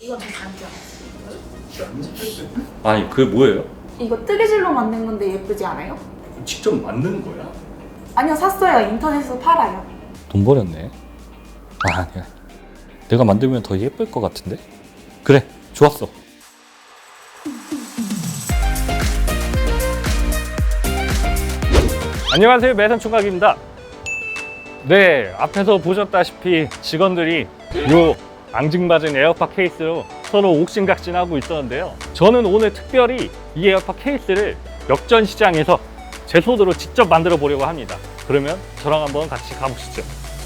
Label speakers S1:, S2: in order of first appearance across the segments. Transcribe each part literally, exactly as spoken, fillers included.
S1: 이건 저 장점.
S2: 아니 그게 뭐예요?
S1: 이거 뜨개질로 만든 건데 예쁘지 않아요?
S2: 직접 만든 거야?
S1: 아니요, 샀어요. 인터넷에서 팔아요.
S2: 돈 버렸네. 아 아니야. 내가 만들면 더 예쁠 것 같은데? 그래, 좋았어. 안녕하세요, 매산총각입니다. 네, 앞에서 보셨다시피 직원들이 요 앙증맞은 에어팟 케이스로 서로 옥신각신하고 있었는데요. 저는 오늘 특별히 이 에어팟 케이스를 역전시장에서 제 손으로 직접 만들어 보려고 합니다. 그러면 저랑 한번 같이 가보시죠.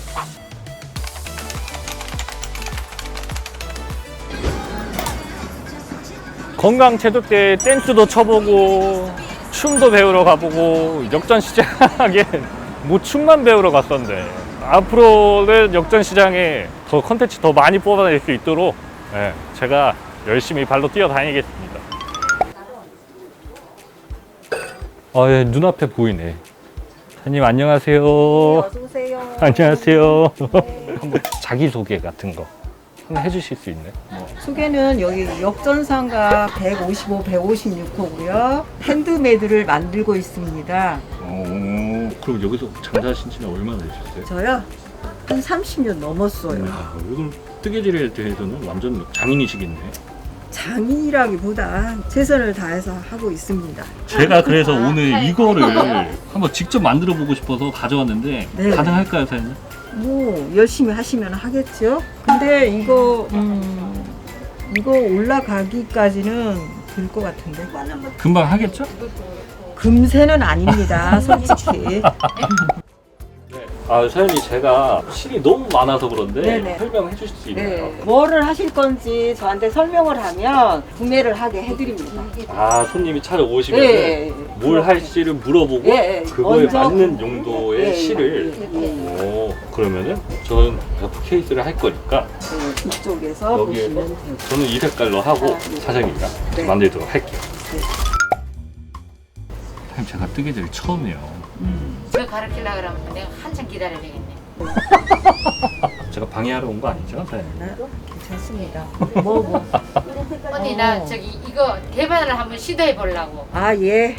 S2: 건강체육대회 댄스도 쳐보고 춤도 배우러 가보고 역전시장에 뭐 춤만 배우러 갔었는데 앞으로는 역전시장에 더 컨텐츠 더 많이 뽑아낼 수 있도록 네, 제가 열심히 발로 뛰어다니겠습니다. 아, 예, 눈앞에 보이네. 사장님 안녕하세요.
S3: 네, 어서 오세요.
S2: 안녕하세요.
S3: 네.
S2: 한번 자기소개 같은 거 한번 해주실 수 있나요?
S3: 소개는 여기 역전상가 백오십오, 백오십육 호고요. 핸드메이드를 만들고 있습니다.
S2: 오, 그럼 여기서 장사하신 지는 얼마나 되셨어요?
S3: 저요? 한 삼십 년 넘었어요.
S2: 아, 이건 뜨개질에 대해서는 완전 장인이시겠네.
S3: 장인이라기보다 최선을 다해서 하고 있습니다.
S2: 제가 그래서 오늘 이거를 한번 직접 만들어 보고 싶어서 가져왔는데
S3: 네.
S2: 가능할까요, 사장님?
S3: 뭐 열심히 하시면 하겠죠. 근데 이거 음, 이거 올라가기까지는 될 것 같은데.
S2: 금방 하겠죠?
S3: 금세는 아닙니다, 솔직히.
S2: 아, 사장님 제가 실이 너무 많아서 그런데
S3: 네네.
S2: 설명해 주실 수 있나요?
S3: 네, 뭐를 하실 건지 저한테 설명을 하면 구매를 하게 해드립니다.
S2: 아, 손님이 찾아오시면
S3: 네.
S2: 뭘 할지를 물어보고
S3: 네, 네.
S2: 그거에
S3: 먼저
S2: 맞는 용도의
S3: 네,
S2: 실을
S3: 네, 네.
S2: 오, 그러면은 저는 에어팟 케이스를 할 거니까
S3: 네, 이쪽에서
S2: 여기에서
S3: 보시면 돼요.
S2: 저는 이 색깔로 하고
S3: 아, 네.
S2: 사장님이랑
S3: 네.
S2: 만들도록 할게요.
S3: 네.
S2: 사장님 제가 뜨개질 처음이에요.
S4: 저 가르치려고 그러면 내가 한참 기다려야 되겠네.
S2: 제가 방해하러 온 거 아니죠, 사장님?
S3: 네, 괜찮습니다. 뭐 뭐.
S4: 언니
S3: 어.
S4: 나 저기 이거 개발을 한번 시도해 보려고.
S3: 아 예.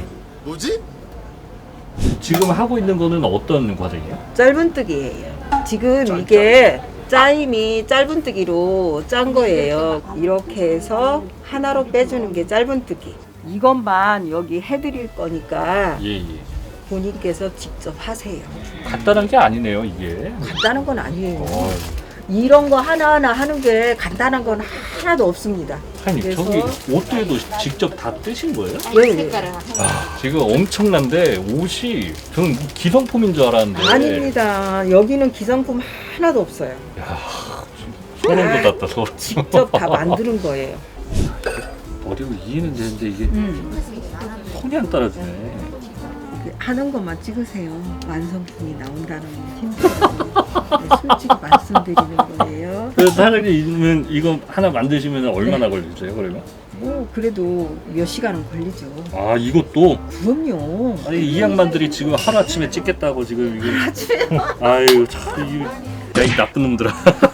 S2: 지금 하고 있는 거는 어떤 과정이에요?
S3: 짧은뜨기예요. 지금 이게 짜임이 짧은뜨기로 짠 거예요. 이렇게 해서 하나로 빼주는 게 짧은뜨기. 이것만 여기 해드릴 거니까
S2: 예, 예.
S3: 본인께서 직접 하세요.
S2: 간단한 게 아니네요, 이게.
S3: 간단한 건 아니에요.
S2: 어,
S3: 이런 거 하나하나 하는 게 간단한 건 하나도 없습니다.
S2: 사장님,
S3: 그래서-
S2: 저기 옷들도 직접 다 뜨신 거예요?
S3: 네, 네.
S4: 색깔을
S2: 아, 지금 엄청난데 옷이 저는 기성품인 줄 알았는데
S3: 아닙니다. 여기는 기성품 하나도 없어요.
S2: 야, 소름 돋았다, 소름.
S3: 직접 다 만드는 거예요.
S2: 어리고 이해는 되는데 이게
S3: 음.
S2: 손이 안 따라주네.
S3: 하는 것만 찍으세요. 완성품이 나온다는 건 힘들어요. 네, 솔직히 말씀드리는 거예요.
S2: 그래서 사장님은 이거 하나 만드시면 얼마나
S3: 네.
S2: 걸리세요, 그러면?
S3: 뭐 그래도 몇 시간은 걸리죠.
S2: 아, 이것도
S3: 그럼요.
S2: 아니 이 양반들이 지금 하루 아침에 찍겠다고 지금 이게
S3: 아침에
S2: 아유 참 이거 야이 나쁜 놈들아.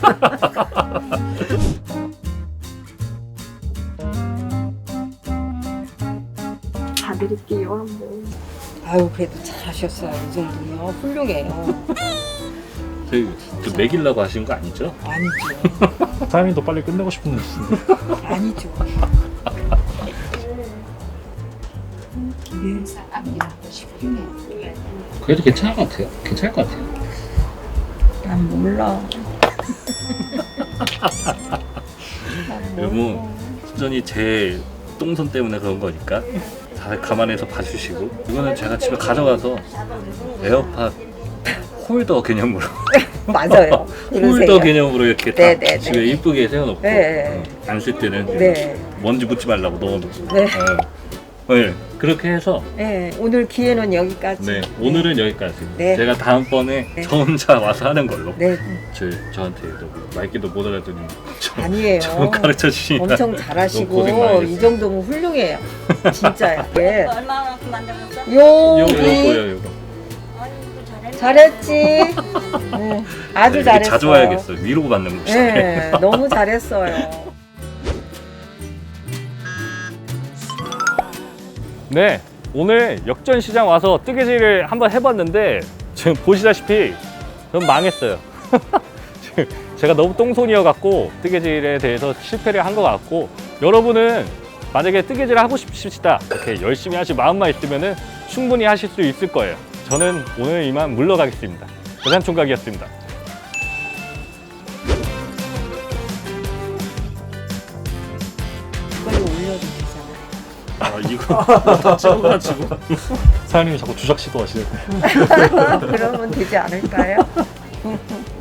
S1: 봐드릴게요, 한번.
S3: 아유 그래도 잘하셨어요. 이 정도면 훌륭해요.
S2: 저희 저 먹이려고 하신 거 아니죠?
S3: 아니죠.
S2: 사장님 더 빨리 끝내고 싶은 데
S3: 아니죠.
S2: 그래도 괜찮을 것 같아요. 괜찮을 것 같아요.
S3: 난 몰라.
S2: 여러분 순전히 제 똥손 때문에 그런 거니까 잘 감안해서 봐주시고 이거는 제가 집에 가져가서 에어팟 홀더 개념으로
S3: 맞아요.
S2: 홀더
S3: 그러세요.
S2: 개념으로 이렇게 딱
S3: 네, 네, 네.
S2: 집에 이쁘게 세워놓고
S3: 네.
S2: 안 쓸 때는
S3: 네.
S2: 먼지 묻지 말라고 넣어놓고
S3: 네.
S2: 어. 네, 그렇게 해서
S3: 네, 오늘 기회는 여기까지.
S2: 네, 오늘은 여기까지.
S3: 네.
S2: 제가 다음번에
S3: 네.
S2: 저 혼자 와서 하는 걸로.
S3: 네,
S2: 저 저한테 너무 말귀도 못 알아듣는 저,
S3: 아니에요.
S2: 저 가르쳐 주시니까
S3: 엄청
S2: 너무 고생
S3: 잘하시고
S2: 많이
S3: 이
S2: 했어요.
S3: 정도면 훌륭해요. 진짜요. 예.
S5: 얼마만큼 만들었어?
S2: 요거
S3: 여기
S2: 요거요 요거.
S3: 잘했지. 네, 아주
S2: 네, 이렇게
S3: 잘했어.
S2: 자주 와야겠어. 위로 받는 거.
S3: 네, 너무 잘했어요.
S2: 네, 오늘 역전시장 와서 뜨개질을 한번 해봤는데 지금 보시다시피 전 망했어요. 지금 제가 너무 똥손이어갖고 뜨개질에 대해서 실패를 한 것 같고, 여러분은 만약에 뜨개질을 하고 싶으시다 이렇게 열심히 하실 마음만 있으면 충분히 하실 수 있을 거예요. 저는 오늘 이만 물러가겠습니다. 대산총각이었습니다.
S3: 이걸로 올려도 되잖아요.
S2: 아, 이거 찍어가지고 사장님이 자꾸 주작 시도하시네.
S3: 그러면 되지 않을까요?